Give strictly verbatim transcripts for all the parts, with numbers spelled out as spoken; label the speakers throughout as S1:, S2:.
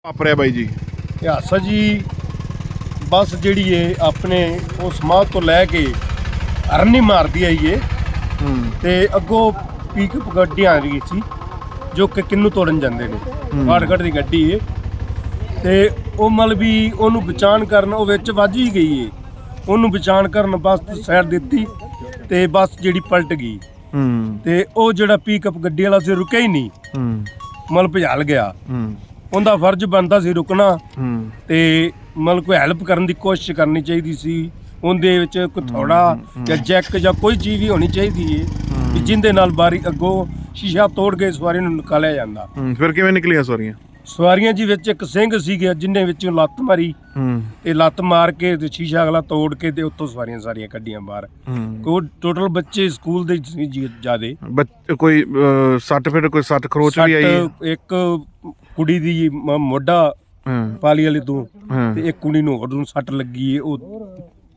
S1: ਵਾਪਰਿਆ ਬਾਈ ਜੀ?
S2: ਇਹ ਹਾਦਸਾ ਜੀ ਬੱਸ ਜਿਹੜੀ ਏ ਆਪਣੇ ਉਹ ਸਮਾਧ ਤੋਂ ਲੈ ਕੇ ਅਰਨੀ ਮਾਰਦੀ ਆਈ ਏ ਤੇ ਅੱਗੋਂ ਪਿਕਅਪ ਗੱਡੀ ਆ ਰਹੀ ਸੀ ਜੋ ਕਿ ਕਿੰਨੂ ਤੋੜਨ ਜਾਂਦੇ ਨੇ। ਫਾਟਕੜ ਦੀ ਗੱਡੀ ਏ ਤੇ ਉਹ ਮਤਲਬ ਵੀ ਉਹਨੂੰ ਬਚਾਣ ਕਰਨ ਉਹ ਵਿੱਚ ਵੱਜ ਹੀ ਗਈ ਏ। ਉਹਨੂੰ ਬਚਾਣ ਕਰਨ ਬੱਸ ਸਾਈਡ ਦਿੱਤੀ ਤੇ ਬੱਸ ਜਿਹੜੀ ਪਲਟ ਗਈ ਤੇ ਉਹ ਜਿਹੜਾ ਪਿਕਅਪ ਗੱਡੀ ਵਾਲਾ ਸੀ ਰੁਕਿਆ ਹੀ ਨਹੀਂ, ਮਤਲਬ ਭਜਾਲ ਗਿਆ। ਉਹਦਾ ਫਰਜ਼ ਬਣਦਾ ਸੀ ਰੁਕਣਾ ਤੇ ਮਤਲਬ ਕੋਈ ਹੈਲਪ ਕਰਨ ਦੀ ਕੋਸ਼ਿਸ਼ ਕਰਨੀ ਚਾਹੀਦੀ ਸੀ। ਉਹਦੇ ਵਿੱਚ ਕੋਈ ਥੋੜਾ ਜਾਂ ਜੈਕ ਜਾਂ ਕੋਈ ਚੀਜ਼ ਵੀ ਹੋਣੀ ਚਾਹੀਦੀ ਏ ਕਿ ਜਿੰਦੇ ਨਾਲ ਬਾਰੀ ਅੱਗੋਂ ਸ਼ੀਸ਼ਾ ਤੋੜ ਕੇ ਸਵਾਰੀ ਨੂੰ ਨਿਕਾਲਿਆ ਜਾਂਦਾ।
S1: ਫਿਰ ਕਿਵੇਂ ਨਿਕਲੀਆਂ ਸਵਾਰੀਆਂ?
S2: ਸਵਾਰੀਆਂ ਜੀ ਵਿੱਚ ਇੱਕ ਸਿੰਘ ਸੀਗੇ ਜਿੰਨੇ ਵਿੱਚੋਂ ਲੱਤ ਮਾਰੀ ਤੇ ਲੱਤ ਮਾਰ ਕੇ ਤੇ ਸ਼ੀਸ਼ਾ ਅਗਲਾ ਤੋੜ ਕੇ ਤੇ ਉੱਥੋਂ ਸਵਾਰੀਆਂ ਸਾਰੀਆਂ ਕੱਢੀਆਂ ਬਾਹਰ। ਕੋਈ ਟੋਟਲ ਬੱਚੇ ਸਕੂਲ ਦੇ ਸੀ ਜਿਆਦੇ।
S1: ਕੋਈ ਸੱਟ ਫਿਰ ਕੋਈ ਸੱਟ ਖਰੋਚ ਵੀ ਆਈ?
S2: ਇੱਕ ਕੁੜੀ ਦੀ ਮੋਢਾ ਪਾਲੀ ਵਾਲੀ ਤੋਂ ਤੇ ਇੱਕ ਕੁੜੀ ਨੂੰ ਹੋਰ ਨੂੰ ਸੱਟ ਲੱਗੀ ਏ। ਉਹ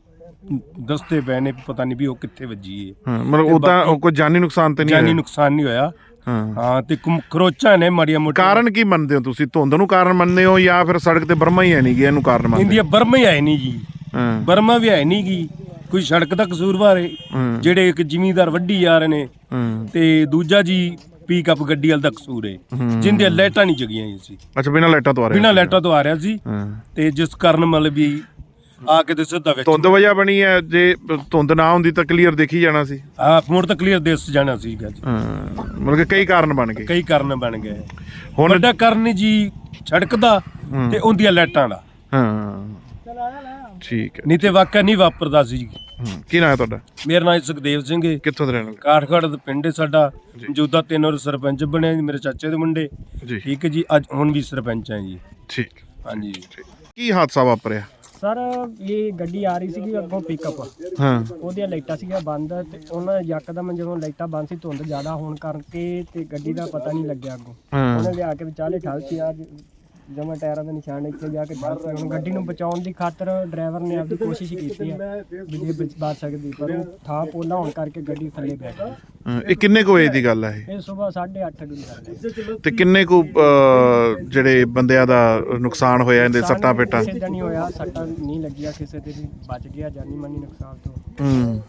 S2: ਦੱਸਦੇ ਪਏ ਨੇ ਪਤਾ ਨਹੀਂ ਵੀ ਉਹ ਕਿੱਥੇ ਵੱਜੀ ਏ।
S1: ਮਤਲਬ ਉਹਦਾ ਕੋਈ ਜਾਨੀ ਨੁਕਸਾਨ ਤੇ ਨਹੀਂ?
S2: ਜਾਨੀ ਨੁਕਸਾਨ ਨਹੀਂ ਹੋਇਆ। ਹਾਂ ਤੇ ਖਰੋਚਾਂ ਨੇ ਮਾੜੀਆਂ ਮੋਟੀਆਂ।
S1: ਕਾਰਨ ਕੀ ਮੰਨਦੇ ਹੋ ਤੁਸੀਂ? ਧੁੰਦ ਨੂੰ ਕਾਰਨ ਮੰਨਦੇ ਹੋ ਜਾਂ ਫਿਰ ਸੜਕ ਤੇ ਬਰਮਾ ਹੀ ਹੈ ਨਹੀਂ ਗਿਆ ਇਹਨੂੰ ਕਾਰਨ ਮੰਨਦੇ?
S2: ਇੰਡੀਆ ਬਰਮਾ ਹੀ ਹੈ ਨਹੀਂ ਜੀ, ਬਰਮਾ ਵੀ ਹੈ ਨਹੀਂ ਗੀ। ਕੋਈ ਸੜਕ ਦਾ ਕਸੂਰਵਾਰ ਏ ਜਿਹੜੇ ਇੱਕ ਜ਼ਿਮੀਂਦਾਰ ਵੱਢੀ ਜਾ ਰਹੇ ਨੇ ਤੇ ਦੂਜਾ ਜੀ ਪਿਕਅਪ ਗੱਡੀ ਵਾਲ ਦਾ ਕਸੂਰ ਏ ਜਿੰਦੇ ਲਾਈਟਾਂ ਨਹੀਂ ਜਗੀਆਂ ਸੀ।
S1: ਅੱਛਾ, ਬਿਨਾਂ ਲਾਈਟਾਂ ਤੋਂ ਆ ਰਿਹਾ?
S2: ਬਿਨਾਂ ਲਾਈਟਾਂ ਤੋਂ ਆ ਰਿਹਾ ਸੀ ਤੇ ਜਿਸ ਕਾਰਨ ਮਤਲਬ ਵੀ ਆ ਕੇ ਤੇ ਸਿੱਧਾ ਵਿੱਚ
S1: ਧੁੰਦ ਵਜ੍ਹਾ ਬਣੀ ਹੈ। ਜੇ ਧੁੰਦ ਨਾ ਹੁੰਦੀ ਤਾਂ ਕਲੀਅਰ ਦੇਖੀ ਜਾਣਾ ਸੀ।
S2: ਹਾਂ, ਮੋੜ ਤਾਂ ਕਲੀਅਰ ਦਿਸ ਜਾਣਾ ਸੀਗਾ ਜੀ।
S1: ਮਤਲਬ ਕਿ ਕਈ ਕਾਰਨ ਬਣ ਗਏ।
S2: ਕਈ ਕਾਰਨ ਬਣ ਗਏ। ਹੁਣ ਵੱਡਾ ਕਾਰਨ ਜੀ ਸੜਕ ਦਾ ਤੇ ਉਹਦੀਆਂ ਲਾਈਟਾਂ ਦਾ।
S1: ਹਾਂ ਠੀਕ ਹੈ।
S2: ਨਹੀਂ ਤੇ ਵਾਕਿਆ ਨਹੀਂ ਵਾਪਰਦਾ ਸੀ।
S1: ਕੀ ਨਾਂ ਹੈ ਤੁਹਾਡਾ?
S2: ਮੇਰਾ ਨਾਮ ਸੁਖਦੇਵ ਸਿੰਘ ਹੈ।
S1: ਕਿੱਥੋਂ ਦੇ ਰਹਿਣ ਵਾਲੇ?
S2: ਕਾਠਗੜ੍ਹ ਦਾ ਪਿੰਡ ਹੈ ਸਾਡਾ। ਮੌਜੂਦਾ ਤਿੰਨ ਵਾਰ ਸਰਪੰਚ ਬਣਿਆ ਜੀ ਮੇਰੇ ਚਾਚੇ ਦੇ ਮੁੰਡੇ। ਠੀਕ ਹੈ ਜੀ, ਅੱਜ ਹੁਣ ਵੀ ਸਰਪੰਚ ਹੈ ਜੀ।
S1: ਠੀਕ,
S2: ਹਾਂਜੀ।
S1: ਕੀ ਹਾਦਸਾ ਵਾਪਰਿਆ
S3: ਸਰ? ਇਹ ਗੱਡੀ ਆ ਰਹੀ ਸੀਗੀ ਅੱਗੋਂ ਪਿਕਅਪ,
S1: ਹਾਂ
S3: ਉਹਦੀਆਂ ਲਾਈਟਾਂ ਸੀਗੀਆਂ ਬੰਦ ਤੇ ਉਹਨਾਂ ਯਕਦਮ ਜਦੋਂ ਲਾਈਟਾਂ ਬੰਦ ਸੀ ਧੁੰਦ ਜ਼ਿਆਦਾ ਹੋਣ ਕਰਕੇ ਤੇ ਗੱਡੀ ਦਾ ਪਤਾ ਨਹੀਂ ਲੱਗਿਆ ਅੱਗੋਂ। ਉਹਨੇ ਲਿਆ ਕੇ ਵਿਚਾਲੇ ਠਲਤੀ ਆ ਜਮਾ ਟਾਇਰਾਂ ਦੇ ਨਿਸ਼ਾਨ ਇੱਥੇ ਜਾ ਕੇ ਠਲਤੀ। ਹੁਣ ਗੱਡੀ ਨੂੰ ਬਚਾਉਣ ਦੀ ਖਾਤਰ ਡਰਾਈਵਰ ਨੇ ਆਪਦੀ ਕੋਸ਼ਿਸ਼ ਕੀਤੀ ਆ ਵੀ ਜੇ ਬਚ ਸਕਦੀ, ਪਰ ਉਹ ਥਾਂ ਪੋਲਾ ਹੋਣ ਕਰਕੇ ਗੱਡੀ ਥੱਲੇ ਬੈ ਗਈ।
S1: ਇਹ ਕਿੰਨੇ ਕੁ ਵਜੇ ਦੀ ਗੱਲ ਹੈ ਇਹ?
S3: ਇਹ ਸਵੇਰ ਸਾਢੇ ਅੱਠ ਦੀ ਗੱਲ ਹੈ।
S1: ਤੇ ਕਿੰਨੇ ਕੁ ਜਿਹੜੇ ਬੰਦਿਆਂ ਦਾ ਨੁਕਸਾਨ ਹੋਇਆ ਇਹਦੇ ਸੱਟਾਂ ਪੇਟਾਂ?
S3: ਕਿਸੇ ਦਾ ਨਹੀਂ ਹੋਇਆ, ਸੱਟਾਂ ਨਹੀਂ ਲੱਗੀਆਂ ਕਿਸੇ ਦੇ ਵੀ, ਬਚ ਗਿਆ ਜਾਨੀ ਮਾਨੀ ਨੁਕਸਾਨ ਤੋਂ।